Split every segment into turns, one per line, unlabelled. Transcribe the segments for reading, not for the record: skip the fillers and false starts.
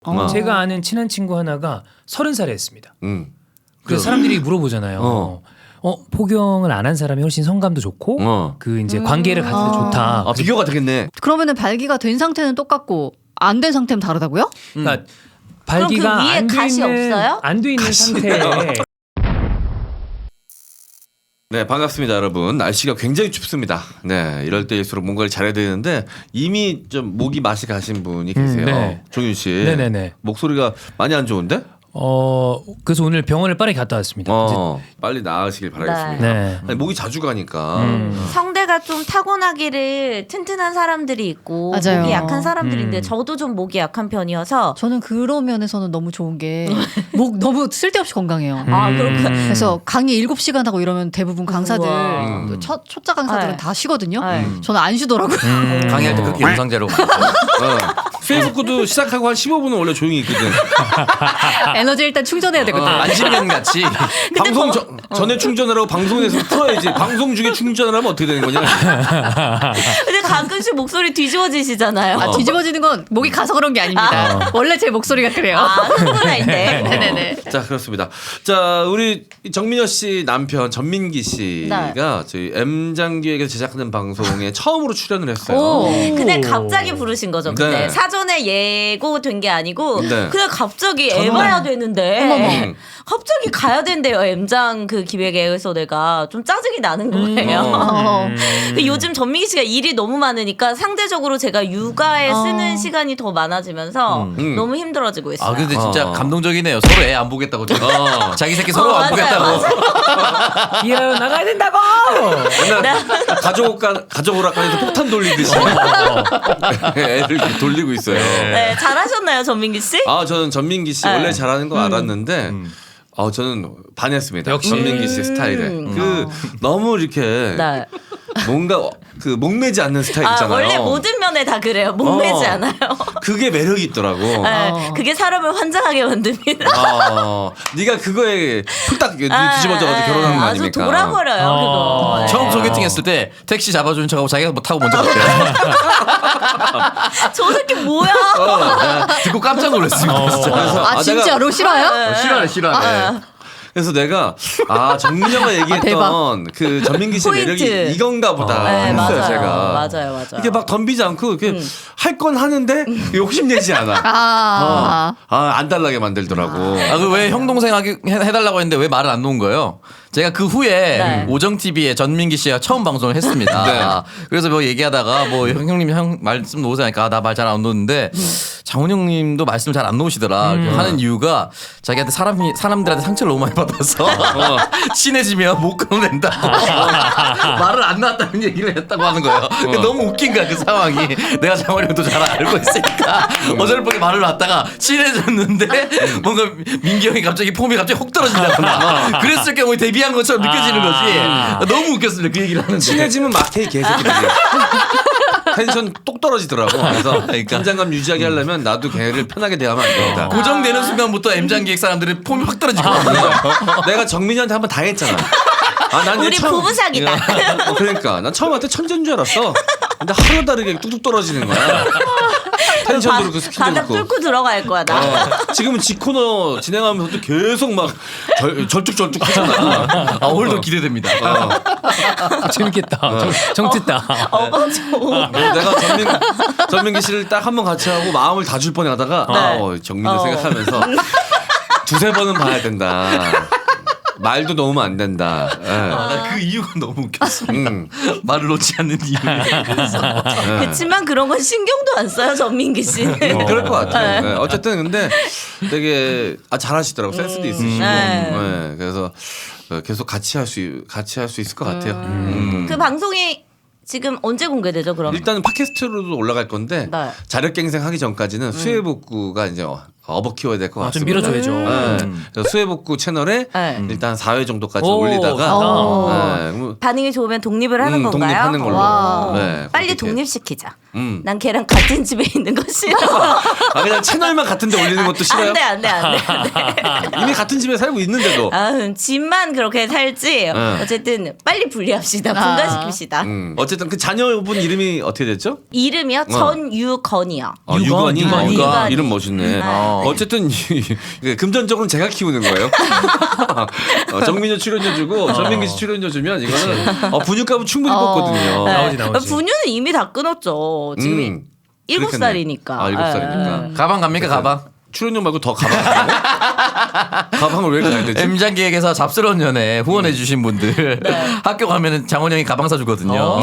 제가 아는 친한 친구 하나가 30살에 했습니다. 그래서 사람들이 물어보잖아요. 포경을 안 한 사람이 훨씬 성감도 좋고 그 이제 관계를 가질 때 좋다.
아, 비교가 되겠네.
그러면은 발기가 된 상태는 똑같고 안 된 상태는 다르다고요?
그러니까 발기가
그 위에 가시 없어요?
안 돼 있는 상태에
네, 반갑습니다, 여러분. 날씨가 굉장히 춥습니다. 네, 이럴 때일수록 뭔가를 잘해야 되는데 이미 좀 목이 맛이 가신 분이 계세요.
네.
종윤 씨.
네네네.
목소리가 많이 안 좋은데?
그래서 오늘 병원을 빠르게 갔다 왔습니다.
빨리 나으시길 바라겠습니다.
네.
아니, 목이 자주 가니까.
성대가 좀 타고나기를 튼튼한 사람들이 있고
맞아요.
목이 약한 사람들인데 저도 좀 목이 약한 편이어서
저는 그런 면에서는 너무 좋은 게 목 너무 쓸데없이 건강해요.
아 그렇구나.
그래서 강의 7시간 하고 이러면 대부분 강사들
우와.
또 초짜 강사들은
네.
다 쉬거든요.
네.
저는 안 쉬더라고요.
강의할 때 그렇게 영상제로
페이스북도 시작하고 한 15분은 원래 조용히 있거든.
에너지 일단 충전해야 되거든.
안심면 같이
방송 전에 충전을 하고 방송에서 풀어야지. 방송 중에 충전을 하면 어떻게 되는 거냐?
근데 가끔씩 목소리 뒤집어지시잖아요.
아, 뒤집어지는 건 목이 가서 그런 게 아닙니다. 원래 제 목소리가 그래요.
흥분할 때.
네네네.
자, 그렇습니다. 자, 우리 정민여 씨 남편 전민기 씨가 저희 M장기에서 제작하는 방송에 처음으로 출연을 했어요.
오.
근데 갑자기 부르신 거죠. 근데
네.
사전에 예고된 게 아니고
네.
그냥 갑자기 에바야 되는데 갑자기 가야 된대요. M장 그 기획에서 내가 좀 짜증이 나는 거예요. 근데 요즘 전민기 씨가 일이 너무 많으니까 상대적으로 제가 육아에 쓰는 시간이 더 많아지면서 너무 힘들어지고 있어요.
아 근데 진짜 감동적이네요. 서로 애 안 보겠다고 자기 새끼 서로 안 보겠다고.
이어 나가야 된다고.
맨날 가족 오락관에서 폭탄 돌리듯이 애를 이렇게 돌리고 있어요.
네, 잘하셨나요, 전민기 씨?
아, 저는 전민기 씨
네.
원래 잘하는 거 알았는데 저는 반했습니다.
역시.
전민기 씨 스타일에 그 너무 이렇게
네.
뭔가 그 목매지 않는 스타일
아,
있잖아요.
원래 모든 면에 다 그래요. 목매지 않아요.
그게 매력이 있더라고.
네, 그게 사람을 환장하게 만듭니다.
네가 그거에 풀딱 뒤집어져가지고 결혼한 거
아주
아닙니까?
돌아버려요, 그거. 네.
처음 소개팅 했을 때 택시 잡아주는 척하고 자기가 뭐 타고 먼저 갔대요.
저 새끼 뭐야?
듣고 깜짝 놀랐습니다. 진짜.
그래서
아, 진짜로 싫어요?
싫어하네.
그래서 내가 정민영가 얘기했던 그 전민기 씨
포인트.
매력이 이건가 보다
네,
했어요.
맞아요.
제가
맞아요.
이게 막 덤비지 않고 이렇게 할 건 하는데 욕심내지 않아. 안 달라게 만들더라고.
그 왜 형 동생 해달라고 했는데 왜 말을 안 놓은 거예요? 제가 그 후에
네.
오정 TV에 전민기 씨가 처음 방송을 했습니다.
네.
그래서 뭐 얘기하다가 뭐 형님 말씀 놓으자니까 나 말 잘 안 놓는데 장훈영님도 말씀 잘 안 놓으시더라. 하는 이유가 자기한테 사람들한테 상처를 너무 많이 받아서 친해지면 못 끊어낸다고 말을 안 놨다는 얘기를 했다고 하는 거예요. 너무 웃긴 거야 그 상황이. 내가 장훈영도 잘 알고 있으니까 어설프게 말을 놨다가 친해졌는데 뭔가 민기 형이 갑자기 폼이 갑자기 혹 떨어진다거나 그랬을 경우에 데뷔한 것처럼 느껴지는 거지. 너무 웃겼습니다 그 얘기를 하는데.
친해지면 막해 개새끼들이. 텐션 똑 떨어지더라고. 그래서 긴장감 유지하게 하려면 나도 걔를 편하게 대하면 안 된다.
고정되는 순간부터 M장 기획 사람들이 폼이 확 떨어지거든요.
내가 정민이한테 한번 다 했잖아. 난
우리 부부 사기다.
그러니까 난 처음한테 천재인 줄 알았어. 근데 하루 다르게 뚝뚝 떨어지는 거야. 텐션도 그렇고 스킬도
바닥
그렇고.
뚫고 들어갈 거야 나.
지금은 지코너 진행하면서도 계속 막 절뚝절뚝 하잖아.
오늘도 기대됩니다.
재밌겠다. 정뜯다.
내가 전민기 씨를 딱 한 번 같이 하고 마음을 다 줄 뻔하다가 정민을 생각하면서 두세 번은 봐야 된다. 말도 놓으면 안 된다.
그 이유가 너무 웃겼습니다. 말을 놓지 않는 이유.
그렇지만 그런 건 신경도 안 써요 전민기 씨는.
그럴 것 같아요. 네. 어쨌든 근데 되게 잘하시더라고. 센스도 있으시고. 네. 그래서 계속 같이 할 수 있을 것 같아요.
그 방송이 지금 언제 공개되죠 그럼?
일단은 팟캐스트로도 올라갈 건데
네.
자력갱생 하기 전까지는 수해복구가 이제 업어 키워야 될 것
좀
같습니다.
밀어줘야죠.
네. 그래서 수해복구 채널에
네.
일단 4회 정도까지
오,
올리다가 네. 그럼
반응이 좋으면 독립을 하는 건가요?
독립하는 걸로.
와.
네,
빨리
그렇게.
독립시키자.
음.
난 걔랑 같은 집에 있는 거 싫어.
아 그냥 채널만 같은데 올리는 것도 싫어요?
안 돼.
이미 같은 집에 살고 있는데도.
집만 그렇게 살지. 어쨌든 빨리 분리합시다. 분가시킵시다.
어쨌든 그 자녀분 이름이 어떻게 됐죠?
이름이요? 전유건이요.
유건이.
유건이.
유건이.
이름 멋있네. 어쨌든 금전적으로는 제가 키우는 거예요. 정민호 출연료 주고 전민기 씨 출연료 주면 이거는 분유값은 충분히 뽑거든요.
나오지.
분유는 이미 다 끊었죠. 지금 7살이니까.
아 7살이니까.
가방 갑니까 가방?
출연료 말고 더 가방 가방을 왜 가야 되지?
M장 기획에서 잡스러운 연애 후원해 주신 분들 학교 가면은 장원 형이 가방 사주거든요.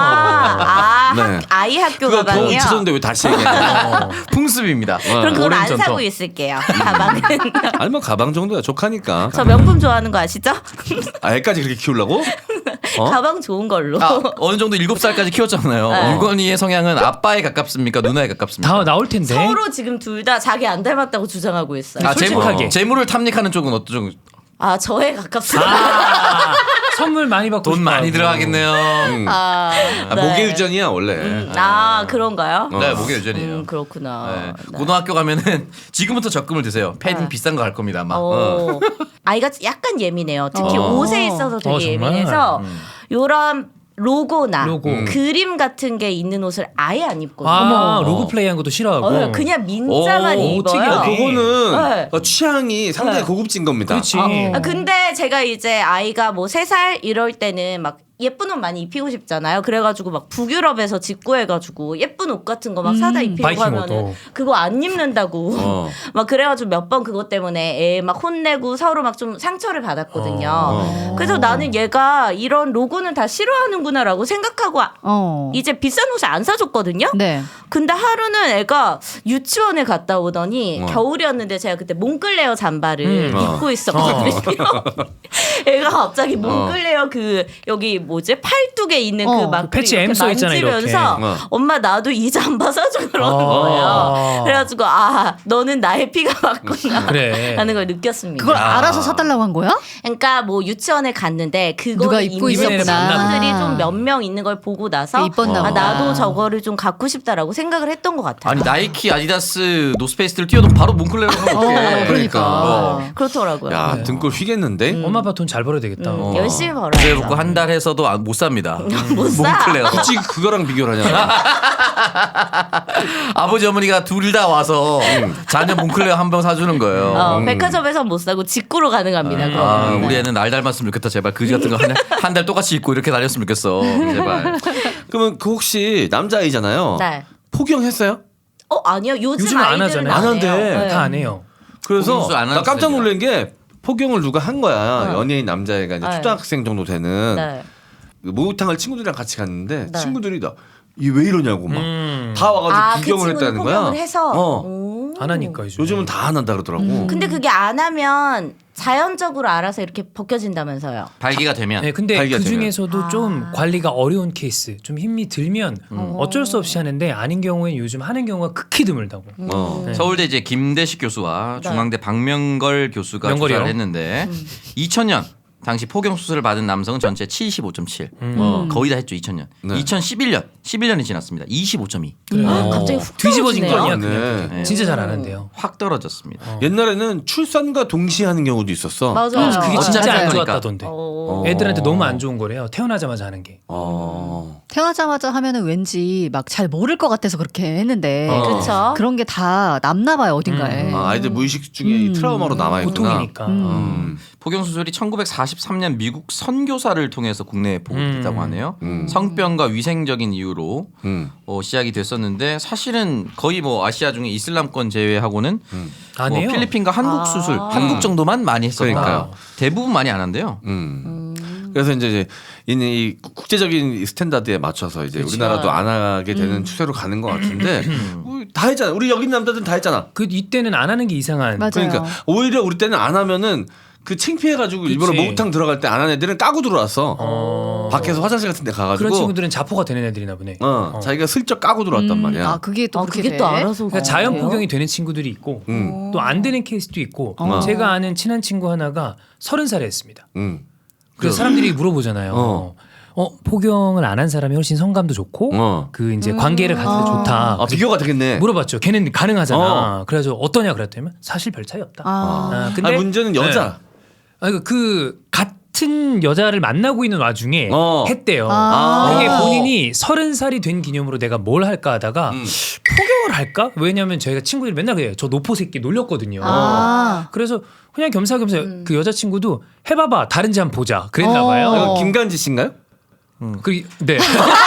네.
아이 학교
그거
가방이요?
있었는데 왜 다시 얘기해요?
풍습입니다.
그럼 그걸
오랜
안
전통.
사고 있을게요. 가방은.
아니 뭐 가방 정도야 족하니까.
저 명품 좋아하는 거 아시죠?
애까지 그렇게 키우려고?
가방 좋은 걸로.
어느 정도 7살까지 키웠잖아요.
네.
유건이의 성향은 아빠에 가깝습니까? 누나에 가깝습니까?
다 나올 텐데.
서로 지금 둘 다 자기 안 닮았다고 주장하고 있어요.
솔직하게.
재물을 탐닉하는 쪽은 어떤 쪽?
저에 가깝습니다.
선물 많이 받고
돈 많이
싶어하고.
들어가겠네요.
네.
목의 유전이야 원래.
그런가요?
네, 목의 유전이에요.
그렇구나.
네.
네.
고등학교 가면은 지금부터 적금을 드세요. 패딩 비싼 거 갈 겁니다 아마.
아이가 약간 예민해요. 특히 옷에 있어서 되게
정말?
예민해서 요런 로고나
로고.
그림 같은 게 있는 옷을 아예 안 입거든요.
로고 플레이한 것도 싫어하고.
그냥 민자만
오,
입어요.
특이하네.
그거는
네.
취향이 상당히
네.
고급진 겁니다.
그렇지.
근데 제가 이제 아이가 뭐 3살 이럴 때는 막 예쁜 옷 많이 입히고 싶잖아요. 그래가지고 막 북유럽에서 직구해가지고 예쁜 옷 같은 거 막 사다 입히고
바이킹
하면은
옷도.
그거 안 입는다고 막 그래가지고 몇 번 그것 때문에 애 막 혼내고 서로 막 좀 상처를 받았거든요. 그래서 나는 얘가 이런 로고는 다 싫어하는구나라고 생각하고 이제 비싼 옷을 안 사줬거든요.
네.
근데 하루는 애가 유치원에 갔다 오더니 겨울이었는데 제가 그때 몽클레어 잠바를 입고 있었거든요. 애가 갑자기 몽클레어 그 여기 뭐지 팔뚝에 있는 그 막
패치 M 써 있잖아요, 이렇게.
엄마 나도 이 잠바 사줘 그러는 거예요. 그래가지고 너는 나의 피가 맞구나
그래.
라는 걸 느꼈습니다.
그걸 알아서 사달라고 한 거야?
그러니까 뭐 유치원에 갔는데 그거
누가 입고
입는
있었구나.
친구들이 좀 몇 명 있는 걸 보고 나서
입었나 보다.
나도 저거를 좀 갖고 싶다라고 생각을 했던 것 같아요.
아니 나이키, 아디다스, 노스페이스를 뛰어도 바로 몽클레어로 하면 어떡해.
그러니까.
그렇더라고요.
야 등골 휘겠는데?
엄마 아빠 돈 잘 벌어야 되겠다.
열심히 벌어요.
그래 놓고 한 달 해서도 못 삽니다.
못 사.
몽클레어.
굳이 그거랑 비교를 하냐?
아버지 어머니가 둘 다 와서 자녀 몽클레어 한 병 사주는 거예요.
백화점에서 못 사고 직구로 가능합니다. 그거.
우리 애는 날 닮았으면 좋겠다 제발 그지 같은 거 한 달 똑같이 입고 이렇게 다녔으면 좋겠어 제발.
그러면 그 혹시 남자아이잖아요.
네.
포경했어요?
아니요. 요즘
요즘은 안
아이들은
하잖아요.
안 한대.
해요. 네.
다 안 해요.
그래서
포경수 안
나
하는
깜짝
스타일이야.
놀란 게 포경을 누가 한 거야. 연예인 남자애가 이제
네.
초등학생 정도 되는
네.
목욕탕을 친구들이랑 같이 갔는데
네.
친구들이 얘 왜 이러냐고 막 다 와가지고
그
구경을
친구는
했다는 거야.
포경을 해서.
오.
안 하니까 요즘.
요즘은 다 안 한다 그러더라고.
근데 그게 안 하면 자연적으로 알아서 이렇게 벗겨진다면서요.
발기가 되면
네, 근데
발기가
그
되면.
중에서도 좀 관리가 어려운 케이스, 좀 힘이 들면 어쩔 수 없이 하는데 아닌 경우엔 요즘 하는 경우가 극히 드물다고. 네.
서울대 이제 김대식 교수와
네.
중앙대 박명걸 교수가
명걸이요?
조사를 했는데 2000년 당시 포경 수술을 받은 남성은 전체 75.7. 거의 다 했죠 2000년.
네.
11년이 지났습니다. 25.2.
갑자기 훅
뒤집어진 거
떨어지네요.
아니야 그냥.
네.
진짜 잘 안 한대요.
확 떨어졌습니다.
옛날에는 출산과 동시에 하는 경우도 있었어.
맞아요.
그게
어쩌지
진짜 안
않으니까.
좋았다던데.
어.
애들한테 너무 안 좋은 거래요. 태어나자마자 하는 게.
태어나자마자 하면은 왠지 막 잘 모를 것 같아서 그렇게 했는데
그렇죠.
그런 게 다 남나 봐요 어딘가에.
아이들 무의식 중에 이 트라우마로 남아있구나.
보통이니까.
포경 수술이 1943년 미국 선교사를 통해서 국내에 보급됐다고 하네요. 성병과 위생적인 이유로 시작이 됐었는데 사실은 거의 뭐 아시아 중에 이슬람권 제외하고는
안
뭐
해요.
필리핀과 한국 수술, 한국 정도만 많이 했었다.
그러니까요.
대부분 많이 안 한대요.
그래서 이제 이 국제적인 스탠다드에 맞춰서 이제 우리나라도 안 하게 되는 추세로 가는 것 같은데 다 했잖아. 우리 여기 있는 남자들은 다 했잖아.
그 이때는 안 하는 게 이상한.
맞아요.
그러니까 오히려 우리 때는 안 하면은 그 창피해가지고
그치.
일부러 목욕탕 들어갈 때 안 한 애들은 까고 들어왔어. 밖에서 화장실 같은 데 가가지고.
그런 친구들은 자포가 되는 애들이나 보네.
자기가 슬쩍 까고 들어왔단 말이야.
아 그게 또 그렇게
그게
돼?
또 알아서
그러니까 자연
그래요?
포경이 되는 친구들이 있고 또 안 되는 케이스도 있고 제가 아는 친한 친구 하나가 30살에 했습니다. 그래서 사람들이 물어보잖아요. 포경을 안 한 사람이 훨씬 성감도 좋고 그 이제 관계를 가질 때 좋다.
아, 비교가 되겠네.
물어봤죠. 걔는 가능하잖아. 그래서 어떠냐 그랬더니 사실 별 차이 없다. 근데
문제는 여자.
그 같은 여자를 만나고 있는 와중에 했대요.
아.
그게 본인이 30살이 된 기념으로 내가 뭘 할까 하다가 포경을 할까? 왜냐면 저희가 친구들이 맨날 그래요. 저 노포 새끼 놀렸거든요. 그래서 그냥 겸사겸사 그 여자친구도 해봐봐 다른지 한번 보자 그랬나 봐요.
이거 김간지 씨인가요?
네.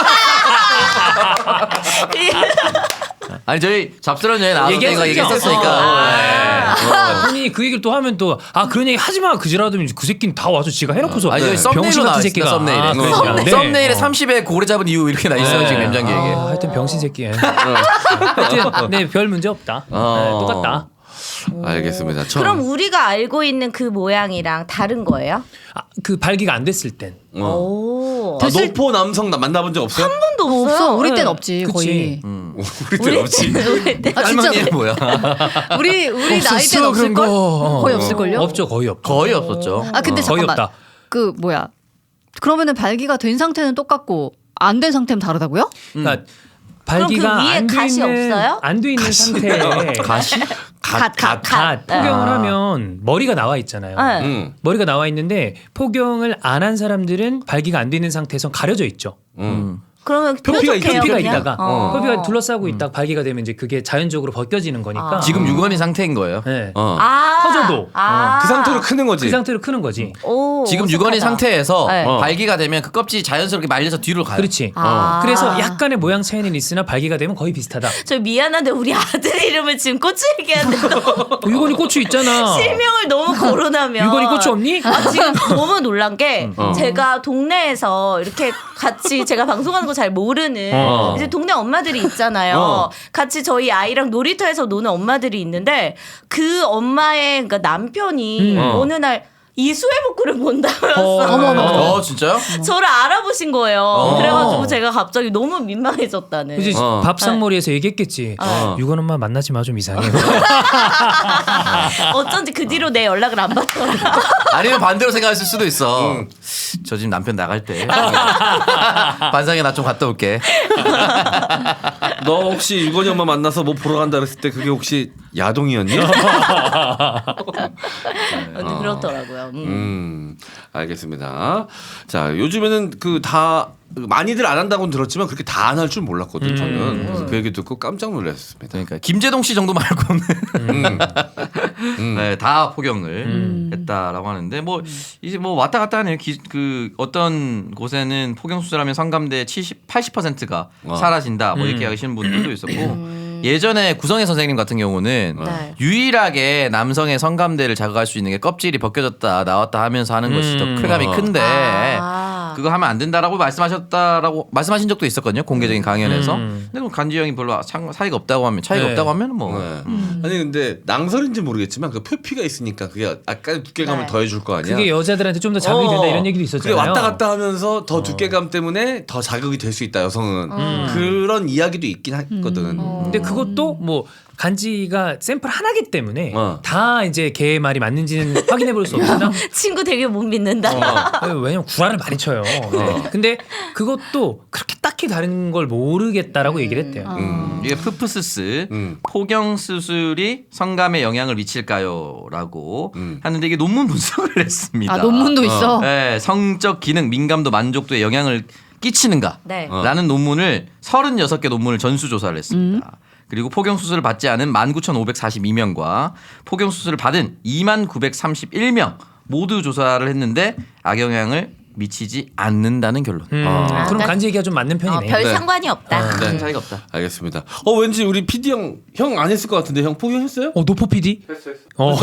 아니 저희 잡스러운 여행 나왔을 때 이거
얘기했었죠.
얘기했었으니까.
본인이 그 얘기를 또 하면 또 그런 얘기 하지마 그지라더니 그 새끼는 다 와서 지가 해놓고서
아니 저희
병신
썸네일로
같은
나와
새끼가
있습니다. 썸네일에.
그러니까. 네.
썸네일에 30에 고래 잡은 이유 이렇게 나 있어요 지금 엠장기 얘기.
하여튼 병신 새끼. 하여튼 별 문제 없다. 네, 똑같다.
알겠습니다.
그럼 우리가 알고 있는 그 모양이랑 다른 거예요?
그 발기가 안 됐을 땐.
오.
노포 남성 만나본 적 없어요?
한 번도 없어요.
없어. 우리 땐
네.
없지
그치.
거의.
우리 때 없지.
우리 때.
아 진짜
할머니는 뭐야?
우리 나이 땐
없었어,
없을
그런
걸?
거.
거의 없을 걸요?
없죠 거의 없죠.
거의 없었죠.
아 근데
거의
잠깐만.
없다.
그 뭐야? 그러면은 발기가 된 상태는 똑같고 안 된 상태는 다르다고요?
그러니까
그럼 그
발기가
위에 가시 없어요?
안 돼 있는 상태에
가시?
갓 포경을 하면 머리가 나와 있잖아요.
네.
머리가 나와 있는데 포경을 안 한 사람들은 발기가 안 돼 있는 상태에서 가려져 있죠.
그러면
표피가
뾰족해요,
표피가
그냥?
있다가 표피가 둘러싸고 있다가 발기가 되면 이제 그게 자연적으로 벗겨지는 거니까.
지금 유건이 상태인 거예요.
네. 커져도.
그 상태로 크는 거지.
그 상태로 크는 거지.
오,
지금
어색하다.
유건이 상태에서
네.
발기가 되면 그 껍질이 자연스럽게 말려서 뒤로 가요.
그렇지. 그래서 약간의 모양 차이는 있으나 발기가 되면 거의 비슷하다.
저 미안한데 우리 아들 이름을 지금 고추 얘기하는데
유건이 고추 있잖아.
실명을 너무 거론하면
유건이 고추 없니?
지금 너무 놀란 게 제가 동네에서 이렇게 같이 제가 방송하는 거 잘 모르는 이제 동네 엄마들이 있잖아요. 같이 저희 아이랑 놀이터에서 노는 엄마들이 있는데 그 엄마의 그러니까 남편이 어느 날 이수해 복구를 본다면서
진짜요?
저를 알아보신 거예요. 그래가지고 제가 갑자기 너무 민망해졌다는.
그지 밥상머리에서 얘기했겠지. 유건 엄마 만나지 마 좀 이상해.
어쩐지 그 뒤로 내 연락을 안 받더라고요.
아니면 반대로 생각했을 수도 있어. 저 지금 남편 나갈 때 반상에 나 좀 갔다 올게.
너 혹시 유건이 엄마 만나서 뭐 보러 간다 그랬을 때 그게 혹시 야동이었니?
근데 그렇더라고요.
알겠습니다. 자, 요즘에는 그 다 많이들 안 한다고는 들었지만 그렇게 다 안 할 줄 몰랐거든 저는. 그래서 그 얘기 듣고 깜짝 놀랐습니다.
그러니까 김재동 씨 정도 말고는 네, 다 포경을 했다라고 하는데 뭐 이제 뭐 왔다 갔다 하네요. 그 어떤 곳에는 포경 수술하면 성감대 80%가 사라진다 뭐 이렇게 하시는 분들도 있었고 예전에 구성애 선생님 같은 경우는
네.
유일하게 남성의 성감대를 자극할 수 있는 게 껍질이 벗겨졌다 나왔다 하면서 하는 것이 더 쾌감이 큰데 그거 하면 안 된다라고 말씀하신 적도 있었거든요. 공개적인 강연에서. 근데 뭐 간지 형이 별로 사이가 없다고 하면 차이가
네.
없다고 하면 뭐
아니 근데 낭설인지 모르겠지만 그 표피가 있으니까 그게 약간 두께감을
네.
더해줄 거 아니야.
그게 여자들한테 좀 더 자극이 된다 이런 얘기도
그게
있었잖아요.
왔다 갔다 하면서 더 두께감 때문에 더 자극이 될 수 있다 여성은. 그런 이야기도 있긴 했거든.
근데 그것도 뭐 간지가 샘플 하나기 때문에 다 이제 걔의 말이 맞는지는 확인해 볼 수 없으나
친구 되게 못 믿는다.
왜냐면 구라를 많이 쳐요. 네. 근데 그것도 그렇게 딱히 다른 걸 모르겠다라고 얘기를 했대요.
이게 푸푸스스 포경 수술이 성감에 영향을 미칠까요?라고 하는데 이게 논문 분석을 했습니다.
아 논문도 있어.
네, 성적 기능, 민감도, 만족도에 영향을 끼치는가?
네.
라는 논문을 36개 논문을 전수 조사를 했습니다. 그리고 포경 수술을 받지 않은 19,542명과 포경 수술을 받은 2931명 모두 조사를 했는데 악영향을 미치지 않는다는 결론.
그럼 간지 얘기가 좀 맞는 편이네.
별
네.
상관이 없다.
큰 차이가 없다.
알겠습니다. 왠지 우리 PD 형 안 했을 것 같은데 형 포경했어요?
노포 PD?
했어.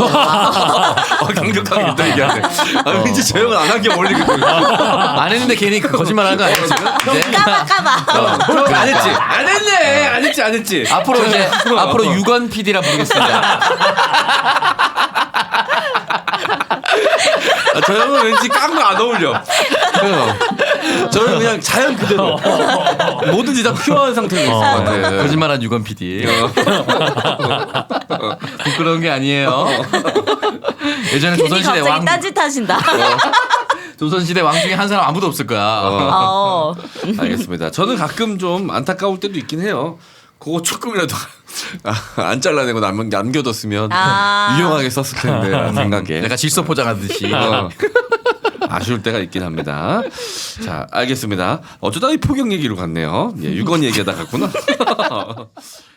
강력하게 또 얘기하네. 왠지 저 형은 안 한 게 어울리거든.
안 했는데 괜히 그 거짓말 하는 거 아니에요 지금? 이제?
까봐.
안 했지. 안 했지.
앞으로 이제 앞으로 유건 PD라 부르겠습니다.
저 형은 왠지 깡도 안 어울려. 저는 그냥 자연 그대로 뭐든지 다 퓨어한 상태로 있을 것 같아요.
거짓말한 유건 PD. 부끄러운 게 아니에요. 예전에
괜히
조선시대
갑자기
왕
딴짓하신다.
조선시대 왕 중에 한 사람 아무도 없을 거야.
알겠습니다. 저는 가끔 좀 안타까울 때도 있긴 해요. 그거 조금이라도 안 잘라내고 남겨뒀으면 유용하게 썼을 텐데 라는 생각에
내가 질소 포장하듯이.
아쉬울 때가 있긴 합니다. 자, 알겠습니다. 어쩌다 이 포경 얘기로 갔네요. 예, 유건 얘기하다 갔구나.